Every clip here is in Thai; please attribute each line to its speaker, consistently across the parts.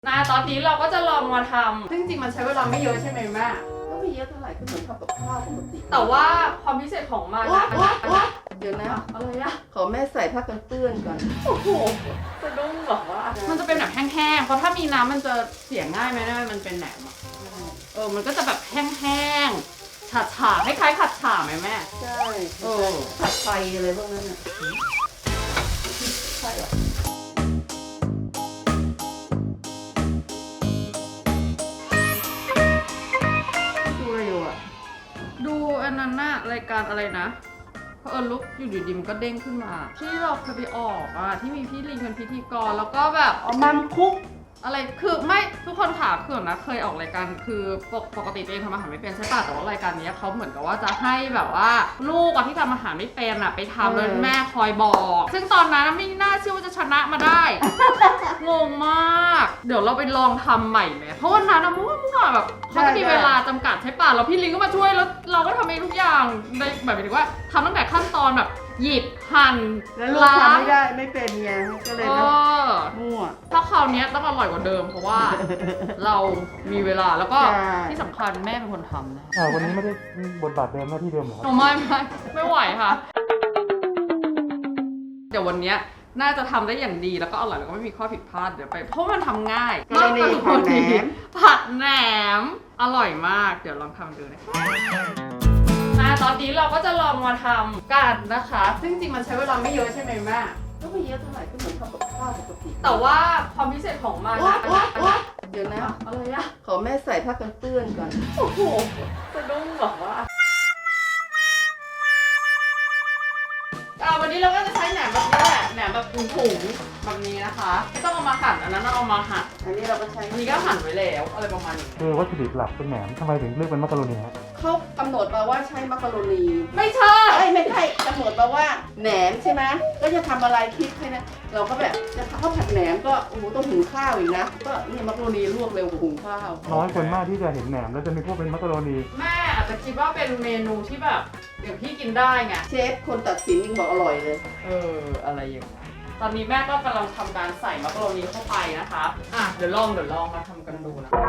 Speaker 1: ตอนนี้เราก็จะลองมาทำซึ่งจริงมันใช้เวลาไม่เยอะใช่ไหมแม่
Speaker 2: ก็ไม่เยอะเท่าไหร่ก็เหมือนทำกับข้าวปกติ
Speaker 1: แต่ว่าความพิเศษของมันนะ
Speaker 2: เดี๋ยวนะ
Speaker 1: อะไรอะ
Speaker 2: ขอแม่ใส่ผ้ากันเปื้อนก่อน
Speaker 1: โอ้โหสะดุ้งเหรอวะมันจะเป็นแบบแห้งๆเพราะถ้ามีน้ำมันจะเสียง่ายไหมเนี่ยมันเป็นแหนมอะมันก็จะแบบแห้งๆฉ่าๆคล้ายๆผัดฉ่าไหมแม่
Speaker 2: ใช่ผัดไฟอะไรพวกนั้นน่ะใช่หรอดูอะไรอยู่อ่ะ
Speaker 1: ดูอันนั้นน่ะรายการอะไรนะเพราะลุกอยู่ดีๆมันก็เด้งขึ้นมาที่เราเคยไปออกอะที่มีพี่ลิงเป็นพิธีกรแล้วก็แบบ
Speaker 2: มัมคุก
Speaker 1: อะไรคือไม่ทุกคนค่ะคือนะเคยออกรายการคือปกติตัวเองทำอาหารไม่เป็นใช่ป่ะแต่ว่ารายการนี้เขาเหมือนกับว่าจะให้แบบว่าลูกที่ทำอาหารไม่เป็นไปทำแล้วแม่คอยบอกซึ่งตอนนั้นไม่น่าเชื่อว่าจะชนะมาได้ งงมากเดี๋ยวเราไปลองทำใหม่ไหมเพราะวันนั้นมั่วแบบเขาจะมีเวลาจำกัดใช่ป่ะแล้วพี่ลิงก็มาช่วยแล้วเราก็ทำเองทุกอย่างในแบบหมายถึงว่าทำตั้งแต่ขั้นตอนแบบหยิบหั่น
Speaker 2: แล้วลูกทำไม่ได้ไม่เป็นไงก็เลยมั่ว
Speaker 1: ถ้าคราวนี้ต้องอร่อยกว่าเดิมเพราะว่าเรามีเวลาแล้วก็ที่สำคัญแม่เป็นคนทำนะ
Speaker 3: วันนี้ไม่ได้บทบาทเดิมหน้าที่เดิมเหรอ
Speaker 1: ไม่ไหวค่ะเดี๋ยววันนี้น่าจะทำได้อย่างดีแล้วก็อร่อยแล้วก็ไม่มีข้อผิดพลาดเดี๋ยวไปเพราะมันทำง่าย
Speaker 2: มากกว่า
Speaker 1: ผัดแหนมอร่อยมากเดี๋ยวลองทำดูนะตอนนี้เราก็จะลองมาทำกันนะคะซึ่งจริงมันใช้เวลาไม่เยอะใช่ไหมแม่
Speaker 2: ก็ไม่เยอะเท่าไหร่ก็เหมือนทำกับข้าวปกติ
Speaker 1: แต่ว่าความพิเศษของมันนะ
Speaker 2: เดี๋ยวนะ
Speaker 1: อะไรอะ
Speaker 2: ขอแม่ใส่ผ้ากันเปื้อนก่อน
Speaker 1: โอ้โหสะดุ้งเหรอวะวันนี้เราก็จะใช้แหนมแบบนี้แหละแหนมแบบถุงๆแบบนี้นะคะไม่ต้องเอามาหั่นอันนั้นเอามาหั่น
Speaker 2: อันนี้เราก็ใช้
Speaker 1: อันนี้ก็หั่นไว้แล้วอะไรประมาณนี้
Speaker 3: คือวัตถุดิบหลักเป็นแหนมทำไมถึงเลือกเป็นมักกะโรนีฮะ
Speaker 2: เขากำหนดมาว่าใช้มักกะโรนี
Speaker 1: ไม่ใช่
Speaker 2: ไม่ใช่กำหนดมาว่าแหนมใช่ไหมก็จะทำอะไรคิดให้นะเราก็แบบจะข้าวผัดแหนมก็โอ้โหต้องหุงข้าวอีกนะก็นี่มักกะโรนีลวกเร็วกว่าหุงข้าว
Speaker 3: น้อยคนมากที่จะเห็นแหนมแล้วจะมีพวกเป็นมักกะโรนี
Speaker 1: แม่อาจจะคิดว่าเป็นเมนูที่แบบเดี๋ยวพี่กินได้ไง
Speaker 2: เชฟคนตัดสินยังบอกอร่อยเลย
Speaker 1: อะไรอย่างเงี้ยตอนนี้แม่ก็กำลังทำการใส่มักกะโรนีเข้าไปนะคะเดี๋ยวลองมาทำกันดูนะ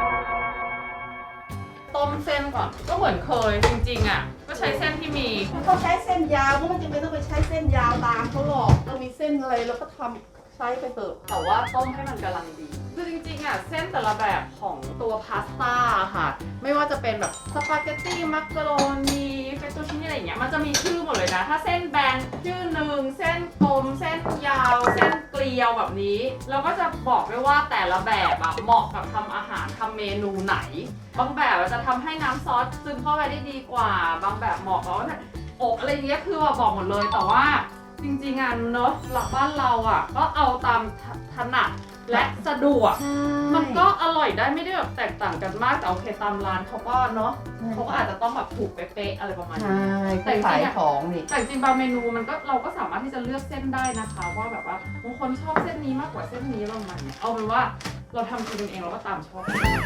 Speaker 1: ต้มเส้นก่อนก็เหมือนเคยจริงๆก็ใช้เส้นที่มี
Speaker 2: เขาใช้เส้นยาวก็ไม่จำเป็นต้องไปใช้เส้นยาวตามเขาหรอกเรามีเส้นอะไรเราก็ทำใช้ไปเถอะ
Speaker 1: แต่ว่าต้มให้มันกำลังดีคือจริงๆเส้นแต่ละแบบของตัวพาสต้าค่ะไม่ว่าจะเป็นแบบสปาเกตตี้มักกะโรนีเฟตตูชินี่อะไรอย่างเงี้ยมันจะมีชื่อหมดเลยนะถ้าเส้นแบนชื่อหนึ่งเส้นกลมเส้นยาวเส้นเกลียวแบบนี้เราก็จะบอกไว้ว่าแต่ละแบบเหมาะกับทำอาหารทำเมนูไหนบางแบบจะทำให้น้ำซอสซึมเข้าไปได้ดีกว่าบางแบบเหมาะกับอบอะไรอย่างเงี้ยคือบอกหมดเลยแต่ว่าจริงๆเนอะหลักบ้านเราก็เอาตามถนัดและสะดวกมันก็อร่อยได้ไม่ได้แบบแตกต่างกันมากแต่โอเคตามร้านเขาก็เนาะเขาก็อาจจะต้องแบบถูกเป๊ะๆอะไรประมาณนี้
Speaker 2: แต่ขายของนี่
Speaker 1: แต่จริงบางเมนูมันก็เราก็สามารถที่จะเลือกเส้นได้นะคะว่าแบบว่าบางคนชอบเส้นนี้มากกว่าเส้นนี้ประมาณนี้เอาเป็นว่าเราทำกินเองเราก็ตามชอบ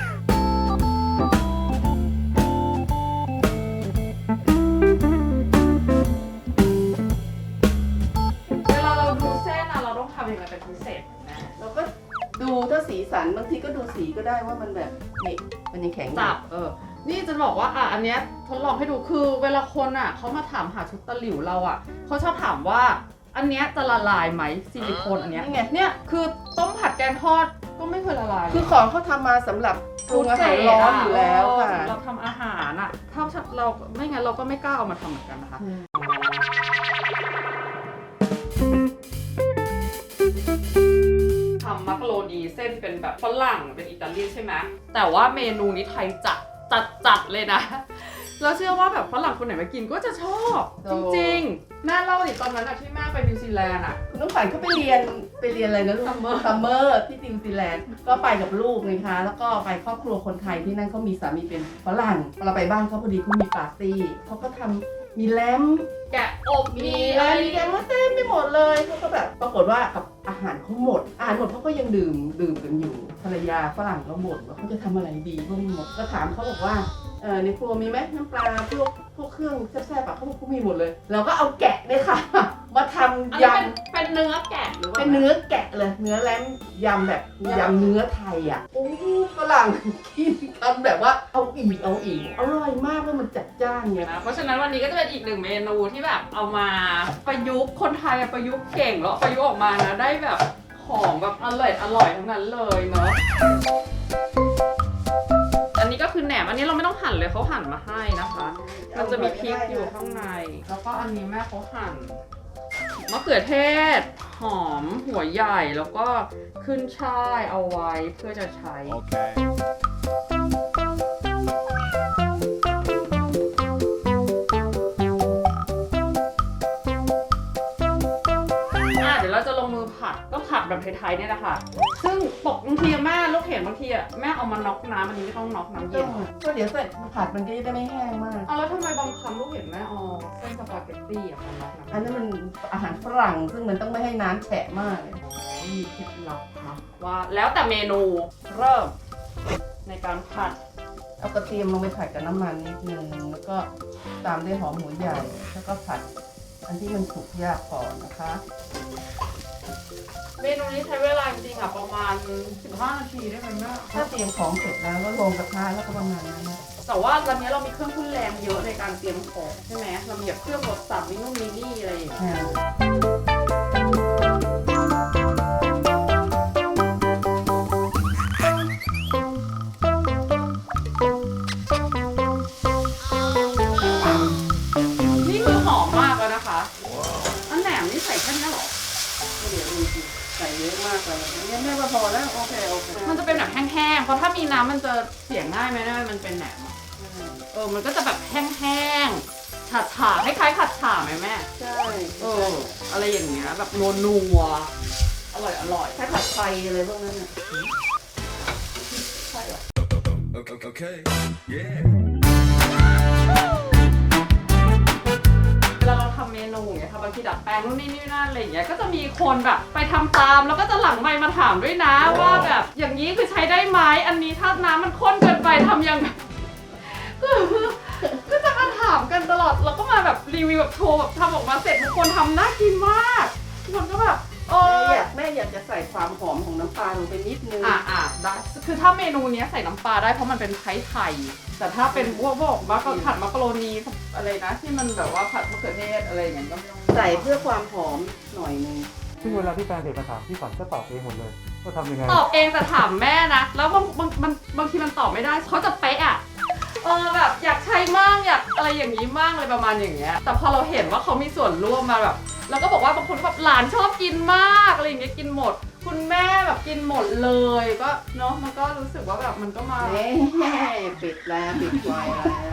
Speaker 1: ทำยังไงเป็นพิเศษนะ
Speaker 2: เราก็ดูถ้าสีสันบางทีก็ดูสีก็ได้ว่ามันแบบนี่มันยังแข็ง
Speaker 1: จับนี่จะบอกว่าอันเนี้ยทดลองให้ดูคือเวลาคนเขามาถามหาชุดตะหลิวเราเขาชอบถามว่าอันเนี้ยจะละลายไหมซิลิโคนอันเนี้ยเนี่ยคือต้มผัดแกงทอดก็ไม่เคยละลาย
Speaker 2: คือของเขาทำมาสำหรับปรุงอาหารร้อนอยู่แล้วค่ะ
Speaker 1: เราทำอาหารถ้าเราไม่งั้นเราก็ไม่กล้าเอามาทำเหมือนกันนะคะทำมักกะโรนีเส้นเป็นแบบฝรั่งเป็นอิตาเลียนใช่ไหมแต่ว่าเมนูนี้ไทยจัดเลยนะแล้วเชื่อว่าแบบฝรั่งคนไหนมากินก็จะชอบจริงๆแม่เล่าดิตอนนั้นที่แม่ไปนิวซีแลนด์
Speaker 2: คุณน้องขวัญเขาไปเรียนอะไรนะลูกซัมเมอร์ที่นิวซีแลนด์ก็ไปกับลูกนะคะแล้วก็ไปครอบครัวคนไทยที่นั่นเขามีสามีเป็นฝรั่งเราไปบ้านเขาพอดีเขามีปาร์ตี้เขาก็ทำมีแลม
Speaker 1: แกะอบ
Speaker 2: มีแกงว่าเต็มไปหมดเลยเขาก็แบบปรากฏว่ากับอาหารเขาหมดเขาก็ยังดื่มกันอยู่ภรรยาฝรั่งก็บ่นว่าเขาจะทำอะไรดีก็หมดก็ถามเขาบอกว่าในครัวมีไหมน้ำปลาพวกเครื่องแซ่บๆเขาบอกเขามีหมดเลยเราก็เอาแกะเลยค่ะมาท
Speaker 1: อัน
Speaker 2: ำ
Speaker 1: นี้
Speaker 2: ย
Speaker 1: เป็นเนื้อแกะหรือ
Speaker 2: ำ
Speaker 1: ว่า
Speaker 2: เป็นเนื้อแกะเลยเนื้อแล้มยำแบบยำเนื้อไทยอ่ะโอ้ฝรั่งกินทำแบบว่าเอาอีกอร่อยมากแล้วมันจัดจ้านไง
Speaker 1: นะเพราะฉะนั้นวันนี้ก็จะเป็นอีกหนึ่งเมนูที่แบบเอามาประยุกต์คนไทยอะประยุกต์เก่งแล้วประยุกต์ออกมานะได้แบบของแบบอร่อยทั้งนั้นเลยเนาะอันนี้ก็คือแหนมอันนี้เราไม่ต้องหั่นเลยเขาหั่นมาให้นะคะ มันจะมีพริกอยู่ข้างใน แล้วก็อันนี้แม่เขาหั่นมะเขือเทศ หอมหัวใหญ่แล้วก็ขึ้นช่ายเอาไว้เพื่อจะใช้ เดี๋ยวเราจะลงมือผัดก็ผัดแบบไทยๆเนี่ยแหละค่ะ ซึ่งบางทีแม่ลูกเห็นบางทีแม่เอามาน็อกน้ำอันนี้ไม่ต้องน็อกน้ำเย็น
Speaker 2: ก็เดี๋ยวใส่ผัดมันก็จะได้ไม่แห้งมาก
Speaker 1: เอาแล้วทำไมบางครั้งลูกเห็นแม่เอาเส้นสปาเกตตี้มาน็อกน้ำ
Speaker 2: อันนั้นมันอาหารฝรั่งซึ่งมันต้องไม่ให้น้ำแฉะมากเลย
Speaker 1: มีเคล็ดลับนะว่าแล้วแต่เมนูเริ่มในการผัด
Speaker 2: เอากระเทียมลงไปผัดกับน้ำมันนิดนึงแล้วก็ตามด้วยหอมหัวใหญ่แล้วก็ผัดอันที่มันสุกยากก่อนนะคะ
Speaker 1: เมนูนี้ใช้เวลาจริงๆอ่ะประมาณ 15 นาทีได้ไหมแม่
Speaker 2: ถ้าเตรียมของเสร็จแล้วก็ลงกระทะแล้วก็ประมาณนั้นนะ
Speaker 1: แต่ว่าตอนนี้เรามีเครื่องทุ่นแรงเยอะในการเตรียมของใช่ไหมเรามีแบบเครื่องรสสับมินู่นมินี่อะไรอย่างเงี้ย นี่คือหอมมากแล้วนะคะ อันแหนมนี่ใส่แค่นี้เหรอ
Speaker 2: เดี๋ยวดูสิใส่เยอะมากเลยเนี่ยแม่ว่าพอแล้วโอเค
Speaker 1: มันจะเป็นแบบแห้งๆ เพราะถ้ามีน้ำมันจะเสียง่ายไหมนะมันเป็นแหนมอะมันก็จะแบบแห้งๆ ฉาๆคล้ายๆผัดฉ่าไหมแม่
Speaker 2: ใช่
Speaker 1: อะไรอย่างเงี้ยแบบนัวๆ อร่อย
Speaker 2: ใช้ผัดไฟอะไรพวกนั้นน่ะ
Speaker 1: ใช่เหรอ
Speaker 4: Okay. Yeah.
Speaker 1: เวลาเราทำเมนูอย่างเงี้ยค่ะบางทีดัดแปลงนู่นนี่นั่นอะไรอย่างเงี้ยก็จะมีคนแบบไปทำตามแล้วก็จะหลังไมค์มาถามด้วยนะว่าแบบอย่างนี้คือใช้ได้ไหมอันนี้ถ้าน้ำมันข้นเกินไปทำยังไงก็จะมาถามกันตลอดแล้วก็มาแบบรีวิวแบบโชว์แบบทำออกมาเสร็จทุกคนทำน่ากินมากทุกคนก็แบบ
Speaker 2: แม่อยากจะใส่ความหอมของน้ำปลาลงไปนิดนึง
Speaker 1: ได้คือถ้าเมนูเนี้ยใส่น้ำปลาได้เพราะมันเป็นไทยแต่ถ้าเป็นพวกมักผัดมักกะโรนีอะไรนะที่มันแบบว่าผัดมะเขือเทศอะไรอย่างเงี้ยก็ไม่ต้อง
Speaker 2: ใส่เพื่อความหอมหน่อยนึง
Speaker 3: ซึ่งเวลาที่แฟนเพจมาถามพี่ฝันก็ตอบเองหมดเลยว่าทำยังไง
Speaker 1: ตอบเองแต่ถามแม่นะแล้วบางทีมันตอบไม่ได้เขาจะเป๊ะอะแบบอยากใช้มั่งอยากอะไรอย่างนี้มั่งอะไรประมาณอย่างเงี้ยแต่พอเราเห็นว่าเขามีส่วนร่วมมาแบบแล้วก็บอกว่าบางคนแบบหลานชอบกินมากอะไรอย่างเงี้ยกินหมด คุณแม่แบบกินหมดเลยก็เนาะมันก็รู้สึกว่าแบบมันก็มา
Speaker 2: ปิดแล้วปิดไฟแล้ว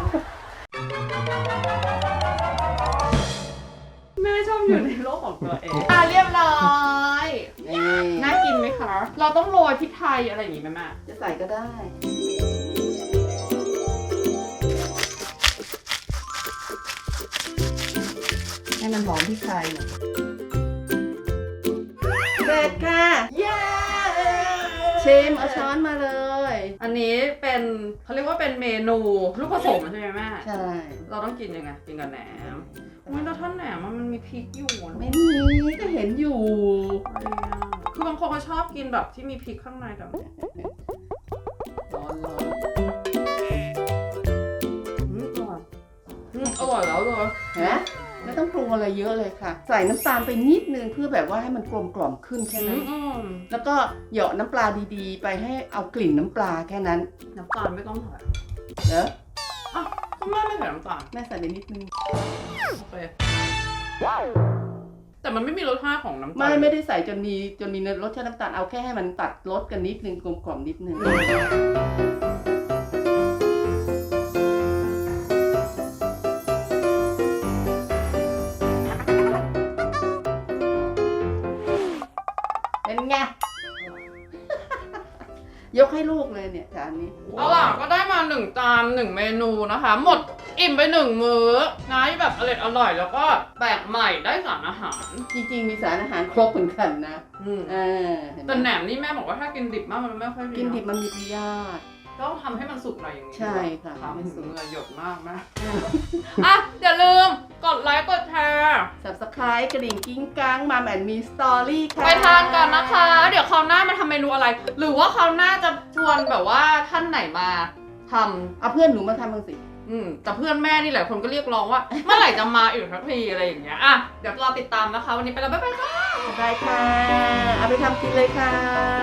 Speaker 1: แม่ชอบอยู่ในโลกของตัวเองเรียบร้อยน่ากินไหมคะ เราต้องโรยพริกไทยอะไรอย่างงี้ไหมแม่
Speaker 2: จะใส่ก็ได้ให้มันหอมพริกไทยเสร็จค่ะ
Speaker 1: เย้
Speaker 2: ชิมเอาช้อนมาเลย
Speaker 1: อันนี้เป็นเขาเรียกว่าเป็นเมนูลูกผสมใช่ไหมแม่
Speaker 2: ใช่
Speaker 1: เราต้องกินยังไงกินกับแหนมอุ้ยแล้วท่านแหนมมันมีพริกอยู่อะ
Speaker 2: ไม่มีก็เห็นอยู่
Speaker 1: คือบางคนเขาชอบกินแบบที่มีพริกข้างในแบบ
Speaker 2: ร้อน
Speaker 1: อร่อยแล้วเลย
Speaker 2: เห็นไหมไม่ต้องปรุงอะไรเยอะเลยค่ะ ใส่น้ำตาลไปนิดนึงเพื่อแบบว่าให้มันกลมกล่อมขึ้นแค่นั้น แล้วก็เหยาะน้ำปลาดีๆ ไปให้เอากลิ่นน้ำปลาแค่นั้น
Speaker 1: น้ำตาลไม่ต้องใส่
Speaker 2: เนอะ
Speaker 1: คุณแม่ไม่ใส่น้ำตาล
Speaker 2: แม่ใส่ไปนิดนึง
Speaker 1: โอเคแต่มันไม่มีรสชาติของน้ำตาล
Speaker 2: ไม่ได้ใส่จนมีรสชาติน้ำตาลเอาแค่ให้มันตัดรสกันนิดนึงกลมกล่อมนิดนึงเป็นไง ยกให้ลูกเลยเนี่ยจานนี้
Speaker 1: เอาล่ะก็ได้มา1 จาน1 เมนูนะคะ หมดอิ่มไป1 มื้อนะแบบอร่อยแล้วก็แปลกใหม่ได้สารอาหาร
Speaker 2: จริงๆมีสารอาหารครบเหมือนกันนะเห็นไหม
Speaker 1: แต่แหนมนี่แม่บอกว่าถ้ากินดิบมากมันไม่ค่อยดี
Speaker 2: กินดิบมันมีพยาธิ
Speaker 1: ก็ทำให้มันสุกหน่อยอย่างนี้
Speaker 2: ใช่ค่ะ
Speaker 1: ทำให้
Speaker 2: ให้สุ
Speaker 1: สุก
Speaker 2: ก
Speaker 1: เหงื่อหยดมากนะอ่ะอย่าลืมกดไลค์กดแชร์
Speaker 2: Subscribe กระดิ่งกิ้งกังมาแอนมีสตอรี่ค่ะ
Speaker 1: ไปทานกันนะคะ เดี๋ยวคราวหน้ามาทำเมนูอะไร หรือว่าคราวหน้าจะชวนแบบว่าท่านไหนมาทำ
Speaker 2: เอาเพื่อนหนูมาทำบ้างสิ
Speaker 1: แต่เพื่อนแม่นี่หลายคนก็เรียกร้องว่า เมื่อไหร่จะมาอีกสักทีอะไรอย่างเงี้ยอ่ะเดี๋ยวรอติดตามนะคะ วันนี้ไปแล้วบ๊ายบายค่ะ
Speaker 2: ได้ค่ะ เอาไปทำกินเลยค่ะ